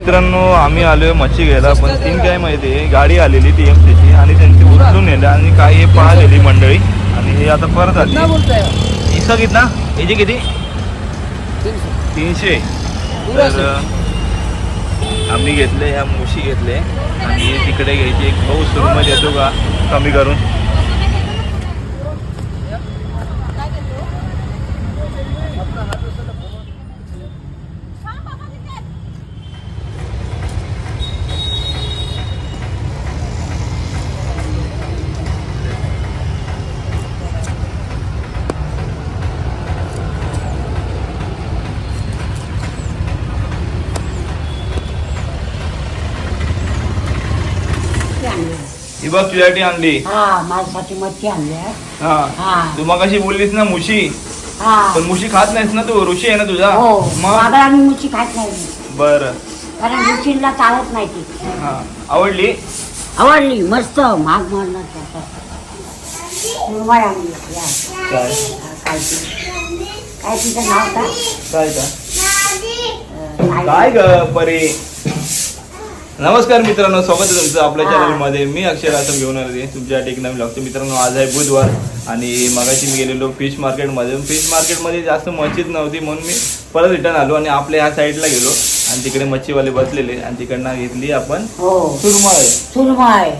मित्रांनो आम्ही आलोय मच्छी घ्यायला, पण तीन काय माहिती आहे, गाडी आलेली TMCची आणि त्यांची उचलून नेलं आणि काय हे पाहिलेली मंडळी आणि हे आता परत आली. इसका कितना याची किती 300. तर आम्ही घेतले ह्या मुशी घेतले आणि तिकडे घ्यायची एक भाऊ सुरमई देतो का कमी करून. ही बघ तुझ्यासाठी आणली. हा माझ्यासाठी मच्छी आणली आहे. हा तू मग अशी बोललीस ना मुशी, हा पण मुशी खात नाहीस ना तू, ऋषी आहे ना तुझा. हो मग मागं आम्ही मुच्छी खात नाही बर. कारण रुचीला चालत नाही ती. हा आवडली. आवडली मस्त महाग म्हणणार सुरमई आणली या. काय काय तिचं नाव काय काय का काय काय ग परी. नमस्कार मित्रांनो, स्वागत आहे तुमचं आपल्या चॅनलमध्ये. मी अक्षय रासम घेऊन आले तुमच्यासाठी एक नवीन लागतो. मित्रांनो आज आहे बुधवार आणि मगाशी मी गेलेलो फिश मार्केटमध्ये. फिश मार्केटमध्ये जास्त मच्छीच नव्हती म्हणून मी परत रिटर्न आलो आणि आपल्या ह्या साईडला गेलो आणि तिकडे मच्छीवाले बसलेले आणि तिकडनं घेतली आपण सुरमई. सुरमई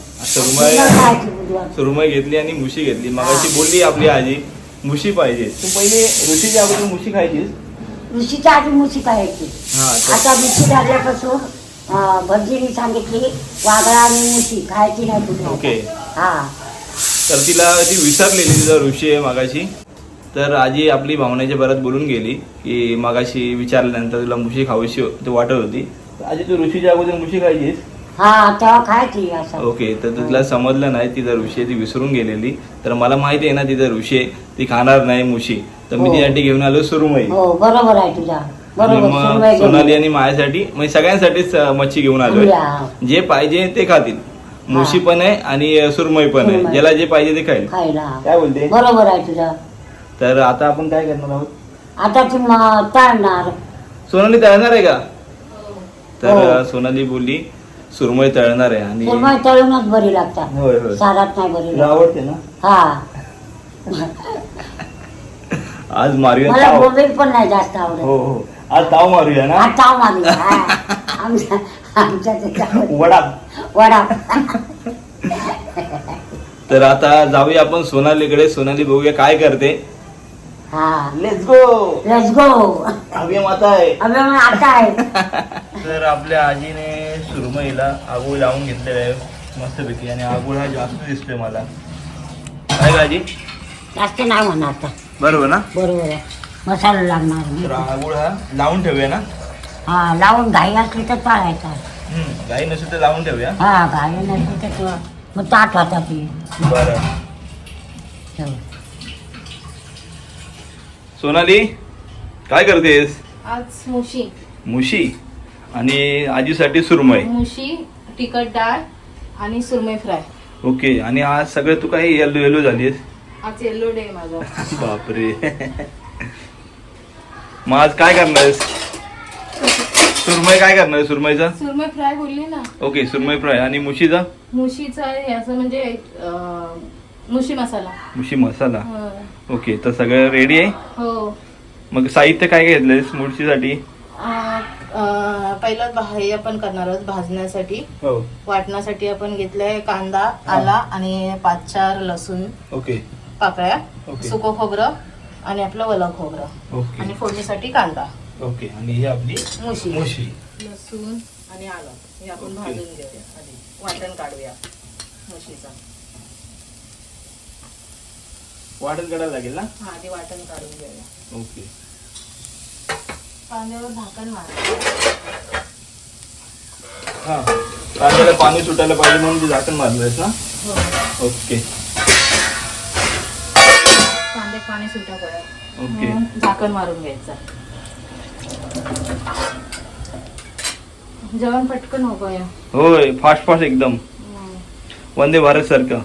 सुरमई घेतली आणि मुशी घेतली. मगाशी बोलली आपली आजी मुशी पाहिजे. तू पहिले ऋषीच्या अगोदर मुशी खायचीस. ऋषीच्या आधी मुशी खायची. आता मुशी झाल्यापासून भटजीने सांगितली वाघळा आणि मुशी खायची नाही तुझी. ओके. हा तर तिला ती विसरलेली तिचा ऋषी आहे मगाशी. तर आजी आपली भावनेच्या बरात बोलून गेली की मगाशी विचारल्यानंतर तुला मुशी खावीशी वाटत होती. आजी तू ऋषीच्या अगोदर मुशी खायचीस. हा तेव्हा खायची असं. ओके. तर तुला समजलं नाही तिचा ऋषी आहे ती विसरून गेलेली. तर मला माहिती आहे ना तिचा ऋषी आहे ती खाणार नाही मुशी. तर मी तिच्यासाठी घेऊन आलो सुरमई. हो बरोबर आहे तुझा. आणि मग सोनाली आणि माझ्यासाठी म्हणजे सगळ्यांसाठीच मच्छी घेऊन आलोय. जे पाहिजे ते खातील. मुशी पण आहे आणि सुरमई पण आहे. ज्याला जे पाहिजे ते खाईल. काय बोलते. बरोबर आहे तुझा. तर आता आपण काय करणार आहोत. आता ती तळणार. सोनाली तळणार आहे का. तर सोनाली बोलली सुरमई तळणार आहे आणि सुरमई तळूनच बरी लागतात. होय होय सारात नाही बरी आवडते ना. हा आज मारूया मला ताव. बोंबील पण नाही जास्त आवडत. हो हो आज ताव मारूया ना. आज ताव मारूया. आमच्या वडा वडा. तर आता जाऊया आपण सोनालीकडे. सोनाली बघूया काय करते. हा लेट्स गो. Let's go. अभी आता आहे. अबे मग आता आहे. तर आपल्या आजीने सुरमईला आगोळ लावून घेतलेला आहे मस्तपैकी आणि आगोळ हा जास्त दिसतोय मला. काय का आजी. जास्त नाही म्हणणार आता. बरोबर ना. बरोबर आहे. मसाला तर लागणार. आगोळ हा लावून ठेवूया ना. हा लावून घाई असली तर पाळायचा. काही नसेल तर लावून ठेवूया. हा घाई नसली तर मग ताट होता ती. बरं. सोनाली काय करतेस. आज मुशी. मुशी आणि आजीसाठी सुरमई. मुशी, तिखट डाळ आणि सुरमई फ्राय. ओके. आणि आज सगळे तू काही येलो येलो झालीस. आज येल्लो डे माझा. बापरे. मग आज काय करणार आहेस. सुरमई काय करणार आहे. सुरमईचा सुरमई फ्राय बोलली ना. ओके. सुरमई फ्राय आणि मुशीचा. मुशीचा आहे असं म्हणजे मुशी मसाला. मुशी मसाला. हो. ओके. तर सगळं रेडी आहे. हो. मग साहित्य काय काय घेतलंयस मुशीसाठी. पहिलं हे आपण करणार आहोत भाजण्यासाठी. हो. वाटण्यासाठी आपण घेतलंय कांदा, आला आणि 5-4 लसूण ओके. पाकळ्या, ओके. सुकं खोबरं आणि आपलं ओलं खोबरं ओके. आणि फोडणीसाठी कांदा. ओके. आणि ही आपली मुशी. मुशी. लसूण आणि आलं हे आपण भाजून घेऊया आधी. वाटण काढूया मुशीचा. वाटण काढायला लागेल ना. हा आधी वाटण काढून घेऊया. ओके. कांद्यावर झाकण मार. हा कांद्याला पाणी सुटायला पाहिजे म्हणून ते झाकण मारलंयस ना. हो. ओके. कांद्यात पाणी सुटा पडेल. ओके. झाकण मारून घ्यायचं. जेवण पटकन हो या. होय फास्ट फास्ट एकदम वंदे भारत सारखं.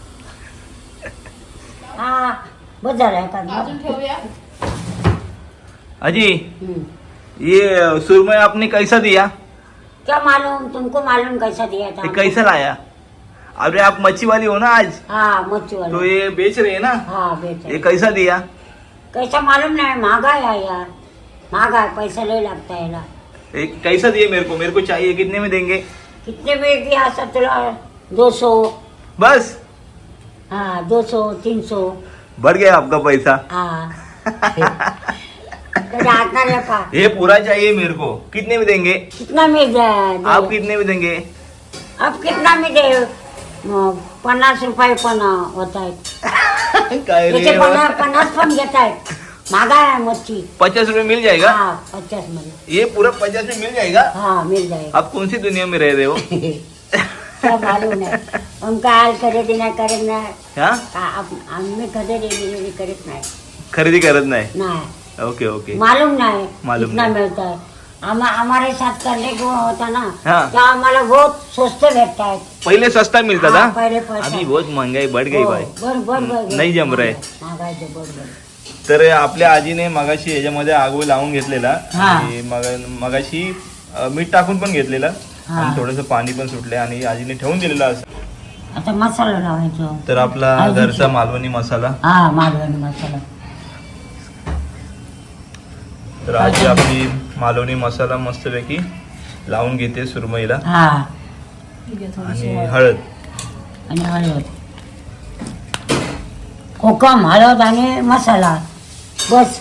हा बस झालं का. अजून ठेवूया. अजी ये सुरमई आपने कैसा दिया. क्या मालूम, तुमको मालूम कैसा दिया था? ये कैसा लाया? अरे आप मच्छी वाली हो ना आज, हाँ मच्छी तो वाला। ये बेच रहे हैं ना, हाँ बेचा। ये कैसा दिया? कैसा मालूम नहीं, महंगा है यार, महंगा है, पैसा ले लगता है ना। ये कैसा दिए मेरे को चाहिए, कितने में देंगे? कितने में दिया सब तुला? 200। बस? हाँ 200 300। बढ़ गया आपका पैसा। हाँ तो आता नहीं पा। ये पूरा चाहिए मेरे को, कितने में देंगे? कितना में दे? आप कितने में देंगे? अब कितना में दे? 50 रुपये पण होता है। काय रे? याचे 50 पण घेत आहेत, महागा है मच्छी। 50 रुपए मिल जाएगा? हाँ 50 में। ये पूरा 50 में मिल जाएगा? हाँ मिल जाएगा। आप कौन सी दुनिया में रह रहे हो? क्या मालूम नाही, उनका हाल खरेदी नाही करत नाही हाँ? आम्ही खरेदी करत नाही खरेदी करत नाही? नाही ओके ओके. मालूम नाही मालूम कितना नाही. मिळता है। हमारे साथ करने को होता ना, हाँ. तो आम्हाला बहुत स्वस्त भेटता है। पहले सस्ता मिलता हाँ, था, पहले पैसा। अभी बहुत महंगाई बढ़ गई भाई. बर नाही जम रहे. महागाई तो बर. तर आपल्या आजीने मगाशी याच्यामध्ये आगो लावून घेतलेला हा. आणि मगाशी मीठ टाकून पण घेतलेलं हा. आणि थोडंसं पाणी पण सुटले आणि आजीने ठेवून दिलेलं असं. आता मसाला लावायचो. तर आपला आजीची. घरचा मालवणी मसाला. हा मालवणी मसाला. तर आजी आपली मालवणी मसाला मस्तपैकी लावून घेते सुरमईला. हा आणि हळद. आणि हळद, कोकम, हळद आणि मसाला बस.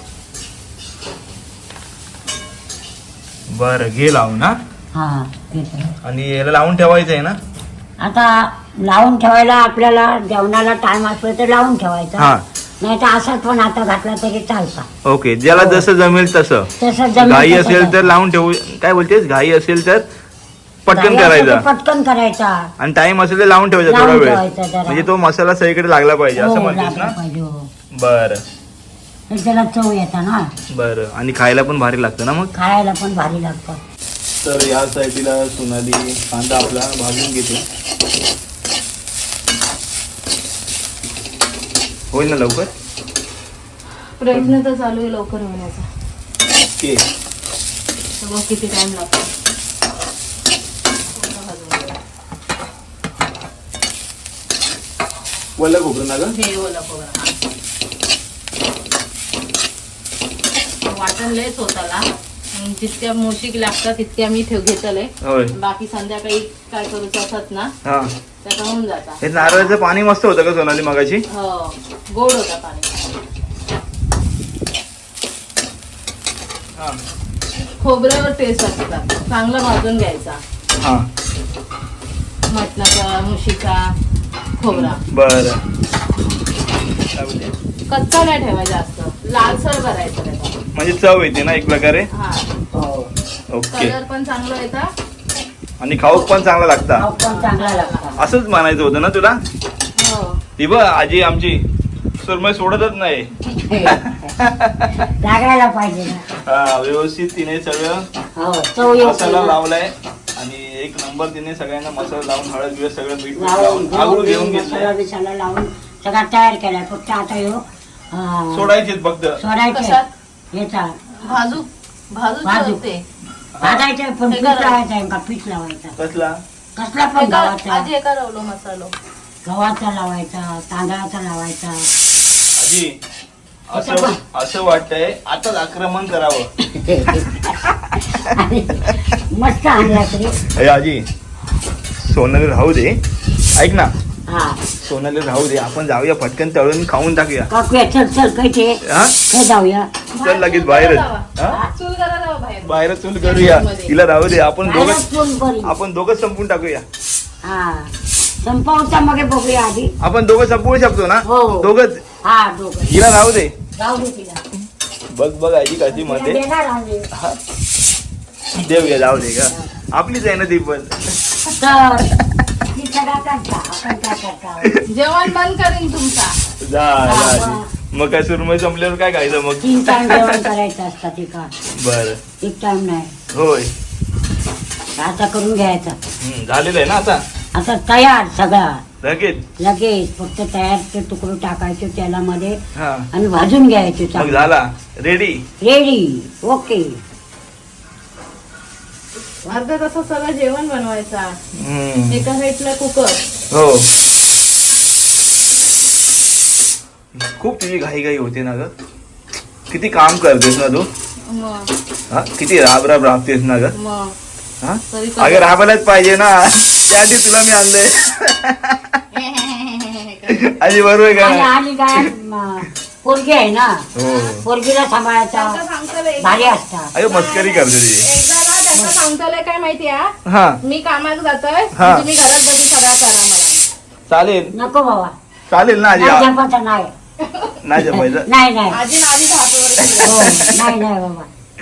बरं घे लावून. हा. हा घेतो. आणि याला लावून ठेवायचं आहे ना? आता लावून ठेवायला आपल्याला जेवणाला टाइम असला तर लावून ठेवायचा, हा. नाही तर असं पण आता घातला तरी चालता. ओके, ज्याला हो. जसं जमेल तसं. तसं जमेल घाई तसं असेल तर करायचं. लावून ठेवू. काय बोलतेस? घाई असेल तर पटकन घाई असेल तर करायचा पटकन करायचा. आणि टाइम असेल तर लावून ठेवायचा थोडा लावून वेळ, ठेवायचा जरा. म्हणजे तो मसाला सगळीकडे लागला पाहिजे असं हो, म्हणतेस ना? लागलं पाहिजे, हो. बरं तर त्याला चव येता ना, बरं. आणि खायला पण भारी लागतं ना मग. खायला पण भारी लागतं. तर या साईडला सोनाली कांदा आपला भाजून घेते. होईल ना लवकर? प्रयत्न तर चालू आहे लवकर होण्याचा. ओके. तर मग किती टाइम लागतो. वल्ल खोबरं ना ग? हे ओला खोबरं. हा. वाटण लयच होताला, जितक्या मुशिक लागतात तितक्या मी घेतलंय. होय. बाकी संध्याकाळी काय करूच असत ना हा. त्याचा होऊन जाता. हे नारळाचं पाणी मस्त होतं का सोनाली मगाशी? हो गोड होता पाणी. हा. खोबऱ्यावर टेस्ट असतात. चांगला भाजून घ्यायचा हा. मटणाचा मुशीचा खोबरा. बरं. काय बोलते? कच्चा नाही ठेवायचा, जास्त लालसर करायचा त्याचा. म्हणजे चव येते ना एक प्रकारे. हा ओके. कलर पण चांगला येता आणि खाऊक पण चांगला लागता. खाऊ पण चांगला लागतं. असंच म्हणायचं होतं ना तुला? हो. ती बघ आजी आमची सुरमई सोडतच नाही. लागायला पाहिजे ना. हा, व्यवस्थित तिने सगळं हो चव येते मसाला ना. लावलाय आणि एक नंबर तिने सगळ्यांना मसाला लावून हळद बिळद सगळं मीठ लावून लावून आगळून घेऊन मसाला घेतलाय. बिसाला लावून सगळा तयार केलाय. फक्त आता ह्यो सोडायचे फक्त. सोडायचे कशात? याचा भाजू भाजू. ठेवते. भाजायचं पण हे पीठ करा. लावायचा का पीठ लावायचा. कसला? कसला पण गव्हाचा. आजी एका रवलो मसालो. गव्हाचा लावायचा, तांदळाचा लावायचा. आजी असं असं वाटतंय आताच आक्रमण करावं. आणि मस्त आणला तरी. अरे आजी सोनाली राहू दे, ऐक ना, हा सोनाली राहू दे, आपण जाऊया पटकन तळून खाऊन टाकूया. काकूया चल चल कैसे हा? जाऊया. चल लगेच बाहेरच. हा? चूल करा जावा बाहेर. बाहेरच चूल करूया. तिला राहू दे, आपण बाहेरच दोघं चूल बरी. आपण दोघं संपून टाकूया. हा संपवता मग बघूया आधी. आपण दोघं संपवू शकतो ना? हो. दोघंच. हा दोघं. हिला राहू दे. जाऊ दे तिला. बघ बघ आजी कशी तिला मध्ये देणार आम्ही. देऊया, जाऊ दे का, आपलीच आहे ना ती पण. तर ती सगळा करता, आपण काय करता. जेवण बंद करीन तुमचा. जा हा, आजी. मग काय सुरमई संपल्यावर काय खायचं मग? 3 टाइम जेवण करायचं असतं ते का. बर. 1 टाइम नाही. होय. आता करून घ्यायचा. झालेलं आहे ना आता आता तयार सगळा. लगेच. लगेच फक्त तयारचे तुकडे टाकायचे तेलामध्ये हा आणि भाजून घ्यायचे मग चांगले. झाला रेडी. रेडी. ओके. अर्धा तासात सगळं जेवण बनवायचा. हम्म. एका साईडला कुकर. हो खूप तुझी घाई घाई होते ना ग. किती काम करतेस ना तू. मग हा किती राब राबतेस ना ग. मग हा तरी अगं राबायलाच पाहिजे ना. त्यासाठी तुला मी आणलंय. आजी बरोबर आहे आणि का. आणि काय पोरगी आहे ना, हो पोरगीला सांभाळायचा भारी असतात. अगं मस्करी करते ती. एकदा ना त्यांना सांगतलंय काय माहिती आहे, हा मी कामात जातोय, हा. तुम्ही घरात बसून फराळ करा म्हणून. चालेल नको बाबा, चालेल ना आजी. नाही जपायचं नाही. नाही जमायचं. नाही नाही आजी आधीच हातावर हो, नाही नाही बाबा.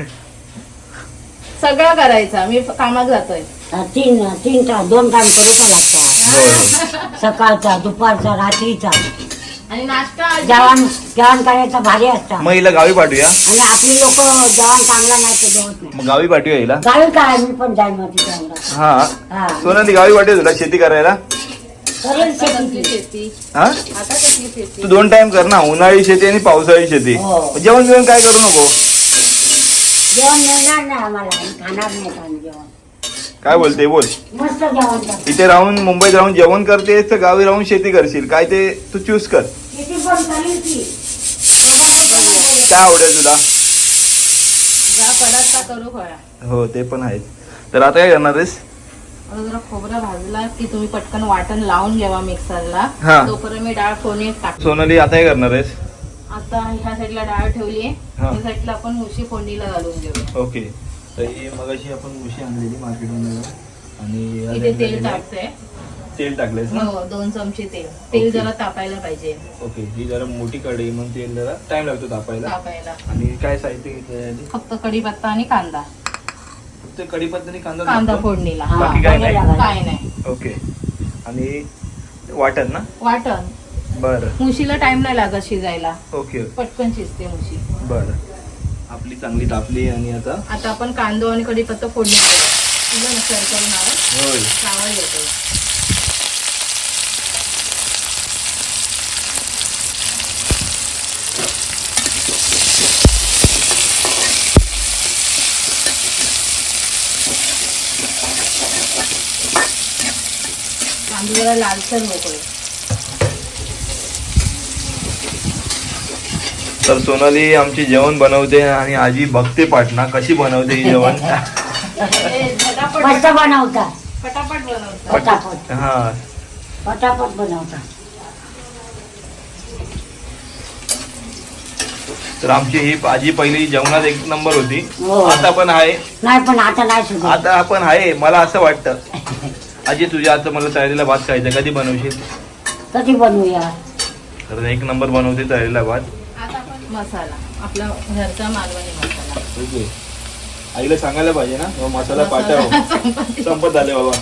सगळं करायचं. मी कामात जातोय. तीन तीन तास 2 टाइम करायचा लागतात. सकाळचा, दुपारचा, रात्रीचा आणि नाश्ता आजी जेवण करायचं भारी असतात. मग हिला गावी पाठवूया. आणि आपली लोक जेवण चांगला नाही ते जेवत नाही. मग गावी पाठवूया हिला. गावी काय मी पण जाईल मग तिच्या. हा हा सोनाली गावी पाठवूया तुला शेती करायला. करेल आता कसली शेती. शेती, हा आता कसली शेती. तू 2 टाइम कर ना, उन्हाळी शेती आणि पावसाळी शेती. हो. जेवण जेवण काय करू नको. जेवण मिळणार नाही आम्हाला, आम्ही खाणार नाही आम्ही जेवण. काय बोलते बोल. मस्त जेवण करतो. इथे राहून मुंबईत राहून जेवण करतेस तर गावी राहून शेती करशील, काय ते तू चूज कर. शेती पण करेल की. काय आवडेल तुला. जा पडात का करू फळा. हो ते पण आहेच. तर आता काय करणार आहेस. आता जरा खोबरा भाजला की तुम्ही पटकन वाटण लावून घ्यावा मिक्सरला. हा. तोपर्यंत मी डाळ फोडणीत टाकते. सोनाली आता काय करणार आहेस. आता ह्या साईडला डाळ ठेवली आहे, हा. ह्या साईडला आपण मुशी फोडणीला घालून घेऊया. ओके. तर ही मगाशी आपण मुशी आणलेली मार्केटमधून आणि या इथे साईडला तेल गेलं. टाकते. तेल टाकलेस ना. हो 2 चमचे तेल. तेल ओके. जरा तापायला पाहिजे. ओके. ही जरा मोठी कढई मग तेल जरा टाइम लागतो तापायला. तापायला आणि काय साहित्य घेतलं. फक्त कढीपत्ता आणि कांदा. फक्त कढीपत्ता आणि कांदा कांदा टाकतो? फोडणीला. हा, बाकी काय नाही? फोडणीला काय नाही. ओके. आणि वाटण ना. वाटण बरं. मुशीला टाइम नाही लागत शिजायला, ओके पटकन शिजते मुशी. बरं. आपली चांगली तापली आणि आता आता आपण कांदा आणि कढीपत्ता फोडणी तुझं नसर करून आवाज होय. आवाज येतो. कांदा जरा लालसर मोकळे. तर सोनाली आमची जेवण बनवते आणि आजी बघते पाटणा कशी बनवते ही जेवण. मस्त बनवतात. पटापट बनवतात. पटापट हा पटापट बनवतात. तर आमची ही आजी पहिली जेवणात 1 नंबर होती. हो. आता पण आहे. नाही पण आता नाही सुद्धा. आता आपण आहे. मला असं वाटतं आजी तुझ्या आता मला तळलेला भात खायचा, कधी बनवशील. कधी बनवूया. तर 1 नंबर बनवते तळलेला भात. आता आपण मसाला आपला घरचा मालवणी मसाला. ओके. आईला सांगायला पाहिजे ना हो, मसाला पाठव. संपत आले बाबा.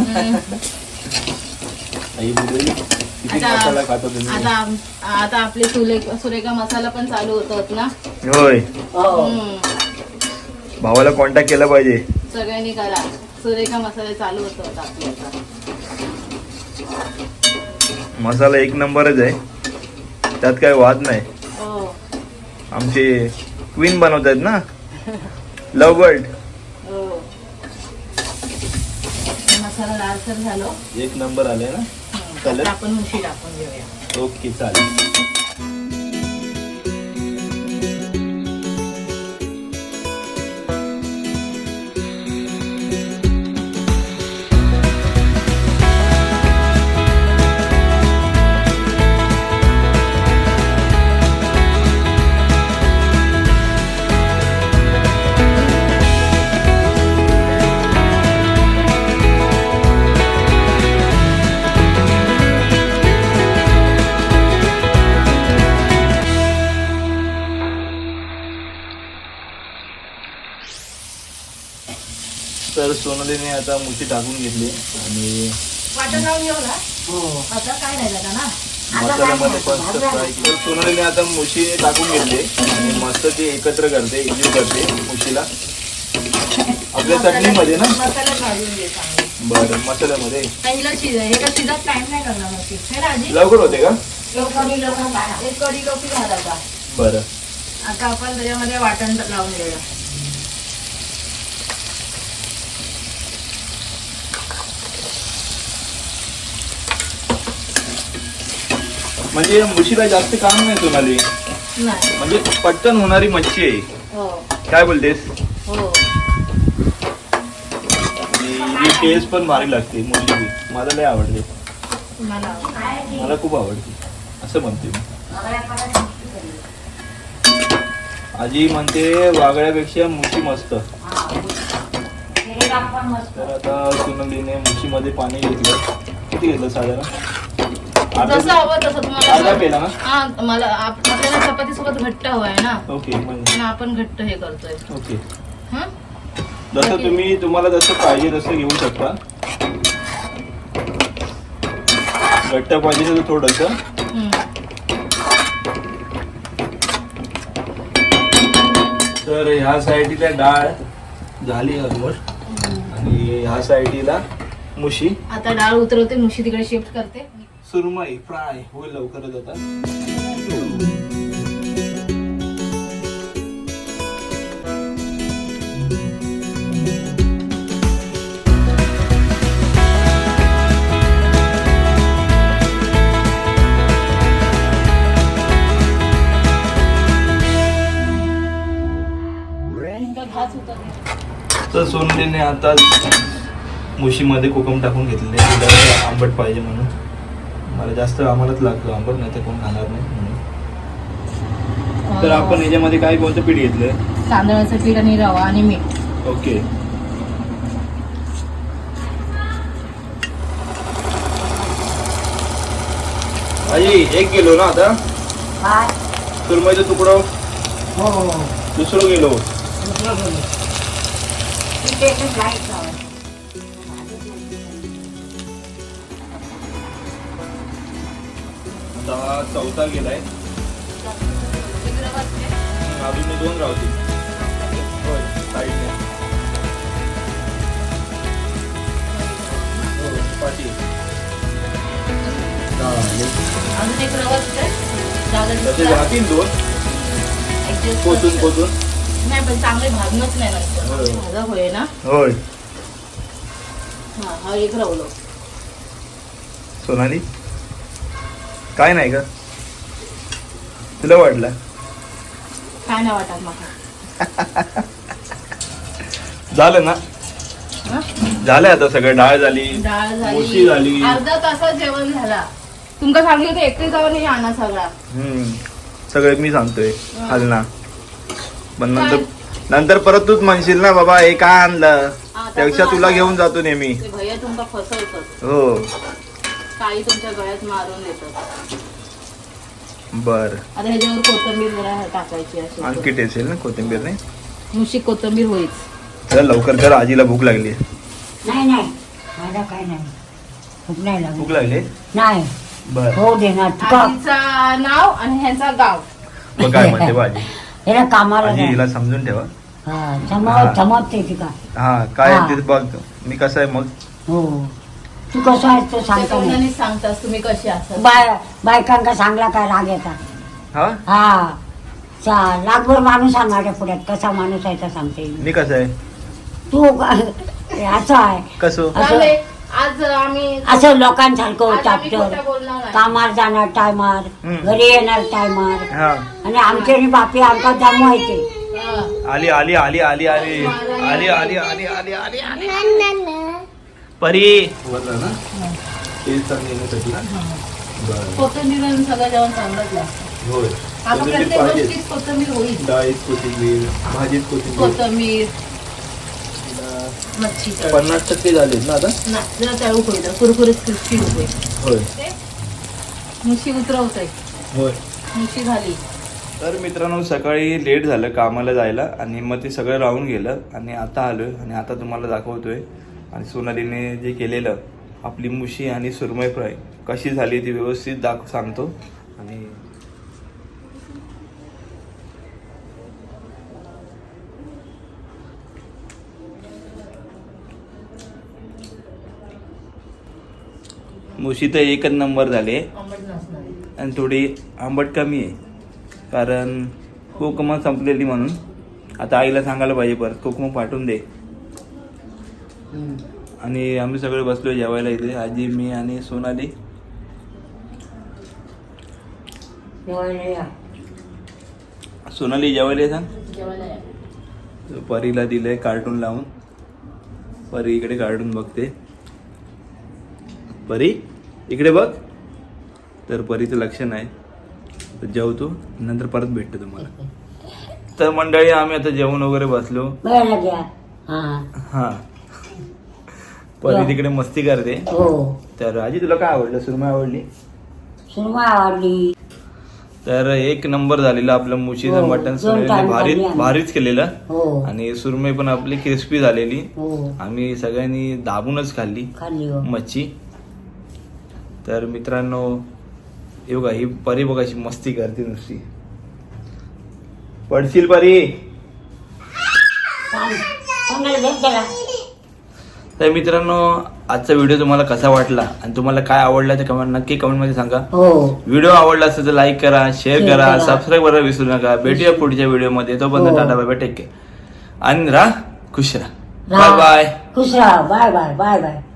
आई बोलली किती आता- मसाला खातो तुम्ही. आता आपले सुरेखा मसाला पण चालू होतात ना. होय. हो. भावाला कॉन्टॅक्ट केला पाहिजे. सगळ्यांनी करा. सुरेखा मसाले चालू होतात आपले आता. मसाला 1 नंबरच आहे, त्यात काय वाद नाही. हो आमचे क्वीन बनवतात ना लव बर्ड. हो. मसाला लालसर झालो. 1 नंबर आले ना. चालेल. आता आपण मुशी टाकून घेऊया. ओके चालेल. तर सोनालीने आता मुशी टाकून घेतली आणि वाटण लावून घेऊ ना. हो. आता काय नाही झालं ना. मसाल्यामध्ये पण फ्राय. तर सोनालीने आता मुशी टाकून घेतली आणि मस्त ती एकत्र करते, एकजीव करते मुशीला आपल्या चटणीमध्ये ना. मसाल्यात भाजून घे चांगली. बरं मसाल्यामध्ये पहिला हे का शिजत टाइम नाही करणार मुशी. हे राजी लवकर होते का. एक कढी लोकी घालायचा. बरं. आता आपण त्याच्यामध्ये वाटण लावून घेऊया. म्हणजे मुशीला जास्त काम नाही सोनाली, नाही. म्हणजे पटकन होणारी मच्छी आहे. हो काय बोलतेस? हो. आणि टेस्ट पण भारी लागते मुशीची. मला लय आवडते, मला खूप आवडते असं म्हणते मी. आजी म्हणते वागळ्यापेक्षा मुशी मस्त. तर आता सोनालीने मुशीमध्ये पाणी घेतलं. किती घेतलं साधारण? जसं हवं तसं अर्धा तुम्हाला. पेला ना? हा मला आपल्याला चपाती सोबत घट्ट हवाय ना, ओके म्हणजे आणि आपण घट्ट हे करतोय. ओके. हं? जसं तुम्हाला जसं पाहिजे तसं घेऊ शकता. घट्ट पाहिजे तर थोडंसं. हं. तर ह्या साईडला डाळ झाली ऑलमोस्ट आणि ह्या साईडला मुशी. आता डाळ उतरवते, मुशी तिकडे शिफ्ट करते. सुरमई फ्राय होईल लवकरच आता. घास उतरते. तर सोनलीने आता मुशीमध्ये कोकम टाकून घेतलेले. तिला आंबट पाहिजे म्हणून. मला जास्त आम्हालाच लागतो आंबट, नाही तर कोण खाणार नाही म्हणून. तर आपण याच्यामध्ये काय कोणतं पीठ घेतलं? तांदळाचं पीठ आणि रवा आणि मीठ. ओके. आई 1 किलो ना आता काय? सुरमईचं तुकडं हो. दुसरं किलो. आता चौथा गेलाय. अजून 2 राहतील. होय साईडने. हो पाठी. अजून एक रवा तसे राहतील 2 पोचून. नाही पण चांगले भाजणच नाही होय. नंतर भाजा होय ना. होय. हा एक रवलो. सोनाली काय नाही का तुला वाटलं? काय नाही वाटत मला. झालं ना? हं? झालंय आता सगळं. डाळ झाली, डाळ मुशी झाली. अर्धा तासात जेवण झाला. तुमका सांगली होते एकटे जाऊन हे आणा सगळा. सगळं मी सांगतोय हलना. पण नंतर परत तूच म्हणशील ना बाबा हे काय आणलं, त्यापेक्षा तुला घेऊन जातो नेहमी. ते भैया तुमका फसवतात. हो काही तुमच्या गळ्यात मारून देतात. बर. आता ह्याच्यावर कोथिंबीर जरा टाकायची अशी. आणखी टेस्ट येईल ना कोथिंबीर नाही? नुसती कोथिंबीर होईच. चल लवकर कर, आजीला भूक लागली. नाही मला काय नाही, भूक नाही लागली. भूक लागली नाही. बर. हो देणार तुका. आजीचा नाव आणि ह्यांचा गाव. मग काय म्हणते भाजी? हिला कामाला आजी नाही. हिला समजून ठेवा. हा, जमते ती का. हा काय हा. ते बघ मी कसं आहे मग. हो तू कसं आहेस तो त्या सांगता नाही. तोंडाने सांगतास तुम्ही कशी असतात. बायकांका सांगला काय राग येतात. हा हा लागभर माणूस आहे माझ्या पुढ्यात. कसा माणूस आहे तर सांगते मी. मी कसं आहे? तू असं आहे. कसं? त्यामुळे आज आम्ही असं लोकांसारखं आज आम्ही चापटर. खोटं बोलणार नाही. कामावर जाणार टायमार, घरी येणार टायमार. हा आणि आमचे आणि बापी आमका जमवायचे. हा. आली आली आली आली आली आली आली आली आली आली आली परी बोलला ना ते येण्यासाठी ना. बरं. कोथिंबीर आणि सगळं जेवण चांगलंच लागतं. होय आता कोथिंबीर प्रत्येक पाहिजे. गोष्टीत कोथिंबीर होईल. डाळीत कोथिंबीर, भाजीत कोथिंबीर. कोथिंबीर मच्छी 50% झालेत ना आता. नाही जरा तळू होईल कुरकुरीत क्रिस्पी होते. होय मुशी उतरवतोय. होय. मुशी झाली. तर मित्रांनो सकाळी लेट झालं कामाला जायला आणि मग ते सगळं राहून गेलं आणि आता आलोय आणि आता तुम्हाला दाखवतोय. आणि सोनालीने जे केलेलं आपली मुशी आणि सुरमई फ्राय कशी झाली ती व्यवस्थित सांगतो. आणि मुशी तर एकच नंबर झाले आंबट नसणार. आणि थोडी आंबट कमी आहे कारण कोकम संपलेली म्हणून. आता आईला सांगायला पाहिजे परत कोकम पाठवून दे. आणि आम्ही सगळे बसलो जेवायला इथे, आजी मी आणि सोनाली. जेवायला या. सोनाली जेवायला ये सांग. जेवायला या. परीला दिलंय कार्टून लावून. परी इकडे कार्टून बघते. परी इकडे बघ. तर परीचं लक्ष नाही. तर जेवतो नंतर परत भेटतो तुम्हाला. तर मंडळी आम्ही आता जेवण वगैरे बसलो. बघायला घ्या. हा हा परी तिकडे मस्ती करते. हो. तर आजी तुला काय आवडलं? सुरमई आवडली? सुरमा आवडली. तर एक नंबर झालेलं आपलं मुशीचं हो, मटण. दोन सोनालीने time खाल्ली आम्ही. भारीच केलेलं. हो आणि सुरमई पण आपली क्रिस्पी झालेली. हो आम्ही सगळ्यांनी दाबूनच खाल्ली खाल्ली हो. मच्छी. तर मित्रांनो हे बघा ही परी बघा अशी मस्ती करते नुसती. पडशील परी. चांगलं भेट त्याला. तर मित्रांनो आजचा व्हिडिओ तुम्हाला कसा वाटला आणि तुम्हाला काय आवडला ते नक्की कमेंटमध्ये सांगा. हो व्हिडिओ आवडला असेल तर लाईक करा, शेअर Share करा, करा. सबस्क्राईब करायला विसरू नका. भेटूया पुढच्या व्हिडिओमध्ये. तोपर्यंत हो. Tata bye bye, take care आणि राहा खुश राहा. राहा. Bye bye. खुश राहा. Bye bye bye bye.